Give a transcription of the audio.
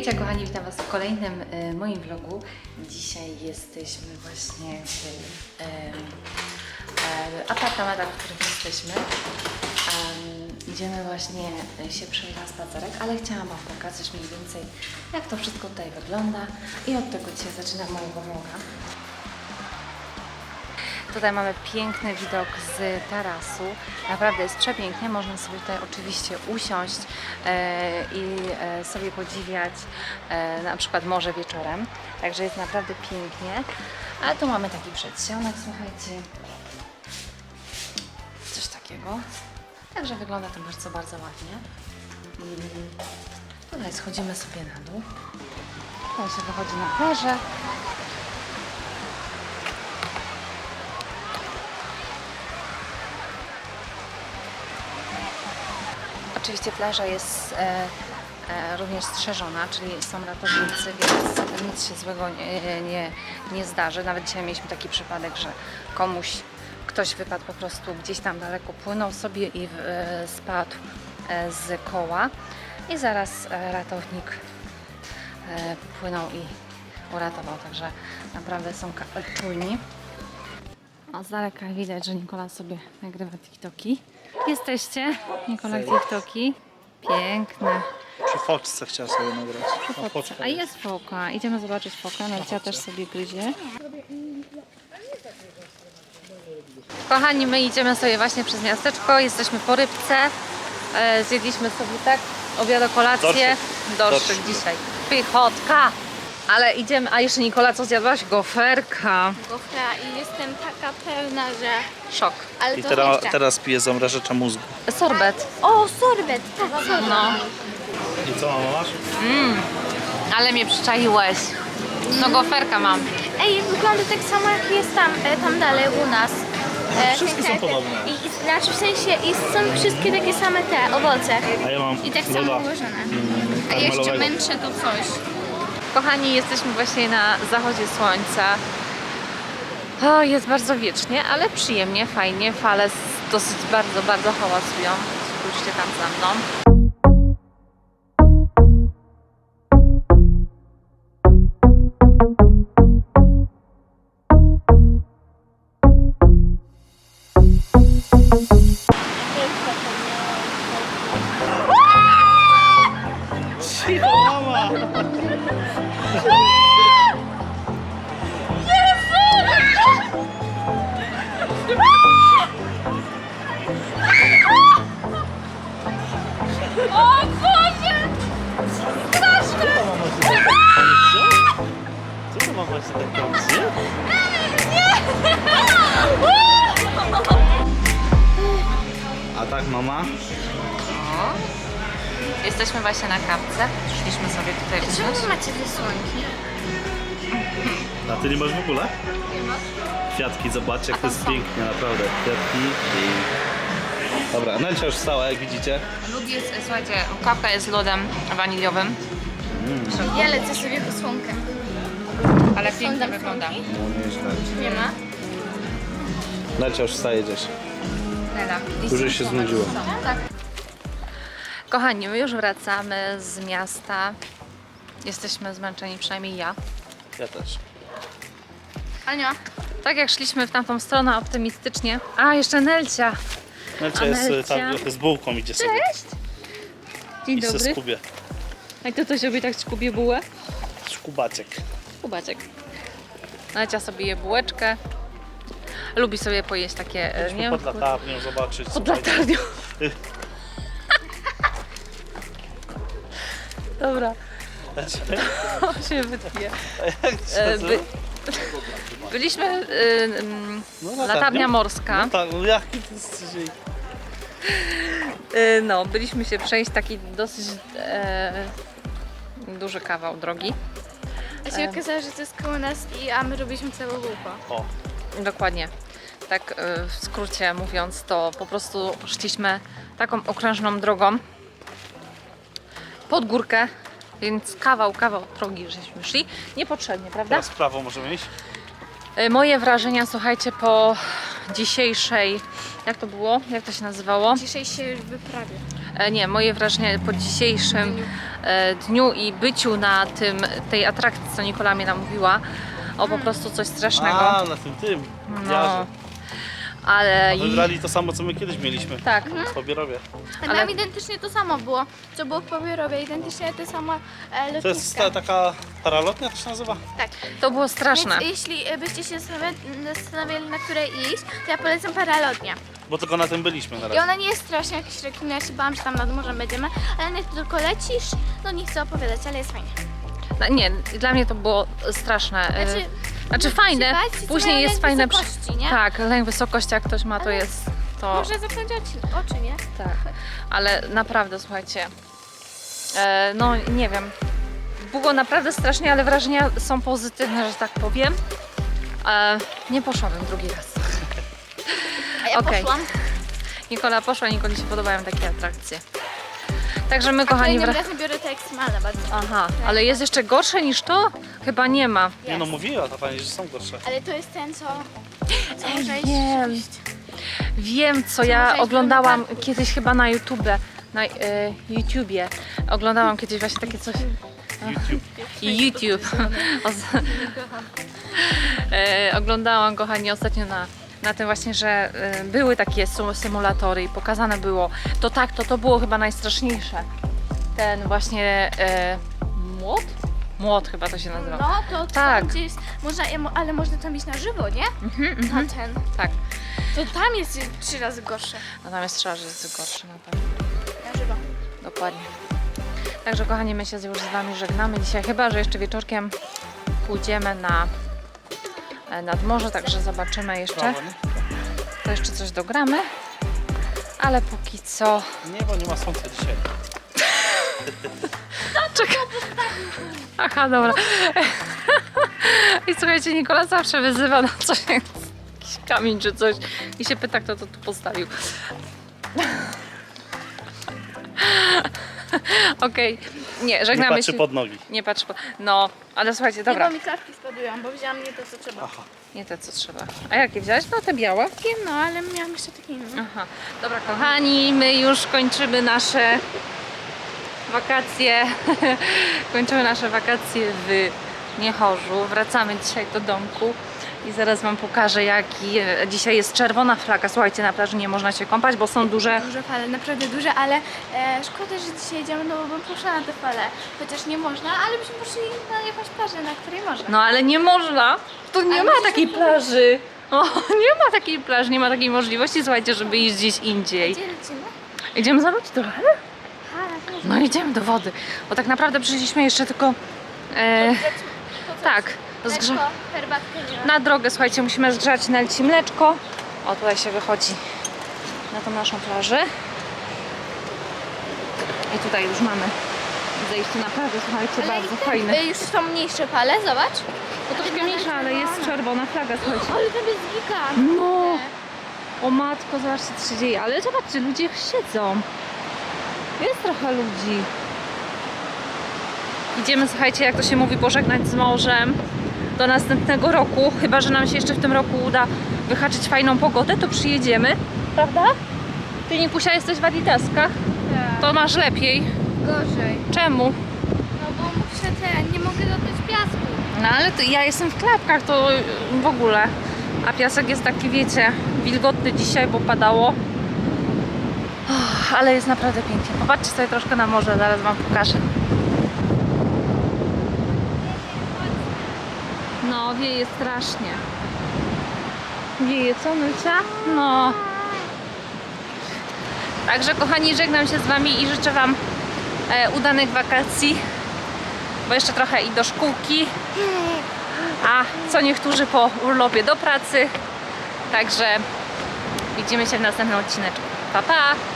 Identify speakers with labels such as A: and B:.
A: Hejcia kochani, witam Was w kolejnym moim vlogu. Dzisiaj jesteśmy właśnie w apartamentach, w których jesteśmy. Idziemy właśnie się przejść na spacerek, ale chciałam Wam pokazać mniej więcej, jak to wszystko tutaj wygląda i od tego dzisiaj zaczynam mojego vloga. Tutaj mamy piękny widok z tarasu, naprawdę jest przepięknie, można sobie tutaj oczywiście usiąść i sobie podziwiać na przykład morze wieczorem, także jest naprawdę pięknie. A tu mamy taki przedsionek, słuchajcie, coś takiego, także wygląda to bardzo, bardzo ładnie. Tutaj schodzimy sobie na dół, tutaj się wychodzi na plażę. Oczywiście plaża jest również strzeżona, czyli są ratownicy, więc nic się złego nie zdarzy. Nawet dzisiaj mieliśmy taki przypadek, że ktoś wypadł po prostu gdzieś tam daleko, płynął sobie i spadł z koła i zaraz ratownik płynął i uratował, także naprawdę są czujni. O, z daleka widać, że Nikola sobie nagrywa TikToki. Jesteście? Nikola TikToki. Piękne.
B: Przy foczce chciała sobie nagrać.
A: A jest foka. Idziemy zobaczyć fokę. Nelcia też sobie gryzie. Kochani, my idziemy sobie właśnie przez miasteczko. Jesteśmy po rybce. Zjedliśmy sobie tak obiad, kolację. Dorszyk dzisiaj. Pychotka. Ale idziemy, a jeszcze Nikola, co zjadłaś? Goferka.
C: Gofra i jestem taka pełna, że...
A: Szok.
C: Ale
B: I
C: to
B: teraz piję zamrażacza mózgu.
A: Sorbet.
C: O, sorbet, tak, sorbet.
A: No.
B: I co mama masz?
A: Ale mnie przyczaiłeś. No goferka mam.
C: Ej, wygląda tak samo jak jest tam dalej u nas.
B: Wszystkie są podobne.
C: Znaczy w sensie, i są wszystkie takie same te owoce.
B: A ja mam
C: I tak samo
B: loda
C: ułożone.
B: A jeszcze
C: męczę to coś.
A: Kochani, jesteśmy właśnie na zachodzie słońca. O, jest bardzo wiecznie, ale przyjemnie, fajnie. Fale dosyć bardzo, bardzo hałasują. Spójrzcie tam za mną.
B: Cicho, mama!
C: O Boże! Straszne!
B: Co to mama się tak dobrze? A tak mama?
A: Jesteśmy właśnie na kapce. Przyszliśmy sobie tutaj usiąść.
C: Czemu macie te słonki?
B: A ty nie masz w ogóle?
C: Nie ma.
B: Kwiatki, zobaczcie jak to jest
A: są.
B: pięknie, naprawdę. Kwiatki i... Dobra, Nelcia już wstała, jak widzicie.
A: Lód jest, słuchajcie, kawka jest z lodem waniliowym.
C: Ja lecę sobie po słonkę.
A: Ale
C: Są
A: pięknie
C: tam
A: wygląda.
C: słonki?
B: No nieźle.
C: Nie ma?
B: Nelcia już wstaje gdzieś.
A: Nela.
B: Dużo się znudziło.
C: Tak.
A: Kochani, my już wracamy z miasta. Jesteśmy zmęczeni, przynajmniej ja.
B: Ja też.
C: Ania.
A: Tak jak szliśmy w tamtą stronę optymistycznie. A, jeszcze Nelcia.
B: Nelcia
A: A
B: jest
A: Nelcia?
B: tam z bułką idzie sobie.
A: Dzień
B: I se
A: dobry.
B: skubie.
A: A to coś robi tak skubie bułę?
B: Szkubaciek.
A: Kubaciek. Nelcia sobie je bułeczkę. Lubi sobie pojeść takie, nie
B: Pod latarnią zobaczyć.
A: pod
B: słuchajcie.
A: latarnią. Dobra, on się wytnie.
B: Jak się nazywa?
A: Byliśmy
B: No,
A: latarnia morska.
B: No tak, no jaki to jest dzisiaj...
A: No, byliśmy się przejść taki dosyć duży kawał drogi.
C: A się okazało, że to jest koło nas a my robiliśmy całe łupo.
B: O,
A: Dokładnie. Tak w skrócie mówiąc, to po prostu szliśmy taką okrężną drogą pod górkę, więc kawał drogi żeśmy szli. Niepotrzebnie, prawda?
B: teraz w prawo możemy iść?
A: Moje wrażenia, słuchajcie, po dzisiejszej, jak to było? Jak to się nazywało?
C: Dzisiaj się już wyprawie.
A: Nie, moje wrażenia po dzisiejszym dniu i byciu na tej atrakcji, co Nikola mnie namówiła, o po prostu coś strasznego.
B: A, na tym.
A: No, ale
B: A wybrali to samo, co my kiedyś mieliśmy.
A: tak.
B: W Pobierowie.
C: A
A: Ale-
C: nam identycznie to samo było, co było w Pobierowie, identycznie te same
B: To jest
C: lotniska.
B: taka paralotnia, to się nazywa?
C: Tak.
A: To było straszne.
C: Więc jeśli byście się zastanawiali, na której iść, to ja polecam paralotnię.
B: Bo tylko na tym byliśmy na
C: I
B: razie.
C: ona nie jest strasznie jakaś rekina, ja się bałam, że tam nad morzem będziemy, ale nie tylko lecisz, no nie chcę opowiadać, ale jest fajnie.
A: No, nie, dla mnie to było straszne. Znaczy fajne,
C: bać, co
A: później
C: mają
A: jest
C: lęk
A: fajne.
C: wysokości, nie?
A: Tak, lęk wysokości, jak ktoś ma, to
C: Ale
A: jest to.
C: Może zamknąć oczy, nie?
A: Tak, ale naprawdę słuchajcie, no nie wiem, było naprawdę strasznie, ale wrażenia są pozytywne, że tak powiem. Nie poszłabym drugi raz.
C: A ja
A: Okej.
C: poszłam.
A: Nikola poszła, Nikoli się podobają takie atrakcje. Także my,
C: A
A: kochani,
C: kolejnym razem biorę te ekstremalne bardzo.
A: Aha, ale jest jeszcze gorsze niż to? Chyba nie ma.
B: Nie no, mówiła ta pani, że są gorsze.
C: Ale to jest ten, co może
A: wiem.
C: iść.
A: Wiem, co
C: może
A: ja
C: iść
A: oglądałam
C: do parku.
A: kiedyś chyba na YouTubie. Oglądałam kiedyś właśnie takie coś. YouTube. Oglądałam, kochani, ostatnio na tym właśnie, że były takie symulatory i pokazane było. To tak, to było chyba najstraszniejsze. Ten właśnie młot? Młot chyba to się nazywa.
C: No, to
A: Tak.
C: tam gdzie jest, ale można tam iść na żywo, nie? Na ten.
A: Tak.
C: To tam jest 3 razy gorsze.
A: Natomiast trzeba, że jest gorszy na pewno.
C: Na żywo.
A: Dokładnie. Także kochani, my się już z Wami żegnamy dzisiaj, chyba że jeszcze wieczorkiem pójdziemy nad morze, także zobaczymy jeszcze.
B: Prawo, nie?
A: To jeszcze coś dogramy, ale póki co...
B: Nie, bo nie ma słońca dzisiaj.
A: Czekaj. Aha, dobra. I słuchajcie, Nikola zawsze wyzywa na coś, jakiś kamień czy coś i się pyta, kto to tu postawił. Okej, nie,
B: Nie
A: żegnamy
B: patrzy
A: się.
B: pod nogi.
A: Nie patrz pod... No, ale słuchajcie,
C: Dobra.
A: dobra.
C: Nie, bo mi klapki spadują, bo wzięłam nie to, co trzeba.
B: Aha.
A: Nie te, co trzeba. A jakie wziąłeś? No te białe.
C: Wiem, no, ale miałam jeszcze takie inne.
A: Aha. Dobra, kochani, my już kończymy nasze wakacje. Kończymy nasze wakacje w Niechorzu. Wracamy dzisiaj do domku i zaraz Wam pokażę, dzisiaj jest czerwona flaga. Słuchajcie, na plaży nie można się kąpać, bo są duże...
C: Duże fale, naprawdę duże, ale szkoda, że dzisiaj jedziemy, no bo bym poszła na te fale. Chociaż nie można, ale byśmy poszli na jakąś plażę, na której można.
A: No ale nie można. Tu nie
C: Ale
A: ma
C: gdzieś
A: takiej
C: tu-
A: plaży. O, nie ma takiej plaży, nie ma takiej możliwości, słuchajcie, żeby iść gdzieś indziej.
C: Gdzie lecimy?
A: Idziemy za ludzi trochę?
C: Ha,
A: No idziemy do wody, bo tak naprawdę przyszliśmy jeszcze tylko tak,
C: Mleczko, herbatkę nie ma.
A: na drogę, słuchajcie, musimy zgrzać na ci mleczko. O, tutaj się wychodzi na tą naszą plażę. I tutaj już mamy zejście na plażę, słuchajcie, bardzo fajne.
C: Już są mniejsze fale, zobacz.
A: To troszkę mniejsza, ale jest czerwona flaga, słuchajcie.
C: Ale tam jest gigant.
A: No! O matko, zobaczcie, co się dzieje, ale zobaczcie, ludzie siedzą. Jest trochę ludzi. Idziemy, słuchajcie, jak to się mówi, pożegnać z morzem do następnego roku. Chyba że nam się jeszcze w tym roku uda wyhaczyć fajną pogodę, to przyjedziemy. Prawda? Ty, Nikusia, jesteś w Adidaskach. To masz lepiej.
C: Gorzej.
A: Czemu?
C: No bo muszę nie mogę dotknąć piasku.
A: No ale to ja jestem w klapkach, to w ogóle. A piasek jest taki, wiecie, wilgotny dzisiaj, bo padało. Ale jest naprawdę pięknie. Popatrzcie sobie troszkę na morze, zaraz Wam pokażę. No, wieje strasznie. Wieje, co, Nycia? No. Także, kochani, żegnam się z Wami i życzę Wam udanych wakacji, bo jeszcze trochę i do szkółki, a co niektórzy po urlopie do pracy. Także widzimy się w następnym odcineczku. Pa, pa!